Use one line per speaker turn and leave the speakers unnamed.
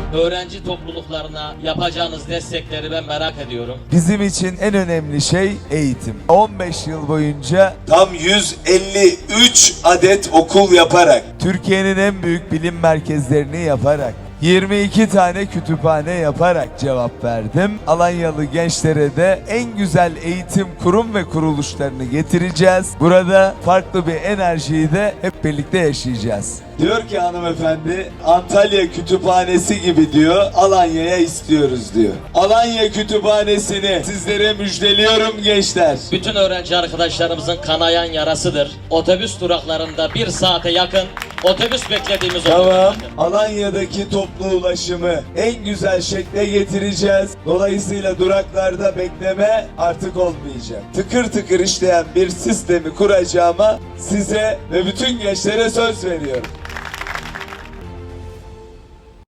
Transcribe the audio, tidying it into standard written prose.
öğrenci topluluklarına yapacağınız destekleri ben merak ediyorum.
Bizim için en önemli şey eğitim. 15 yıl boyunca
Tam 153 adet okul yaparak,
Türkiye'nin en büyük bilim merkezlerini yaparak, 22 tane kütüphane yaparak cevap verdim. Alanyalı gençlere de en güzel eğitim kurum ve kuruluşlarını getireceğiz. Burada farklı bir enerjiyi de hep birlikte yaşayacağız.
diyor ki hanımefendi, Antalya Kütüphanesi gibi diyor, Alanya'ya istiyoruz diyor. Alanya Kütüphanesi'ni sizlere müjdeliyorum gençler.
Bütün öğrenci arkadaşlarımızın kanayan yarasıdır. Otobüs duraklarında 1 saate yakın otobüs beklediğimiz oluyor.
Tamam. Alanya'daki toplu ulaşımı en güzel şekle getireceğiz. Dolayısıyla duraklarda bekleme artık olmayacak. Tıkır tıkır işleyen bir sistemi kuracağıma size ve bütün gençlere söz veriyorum.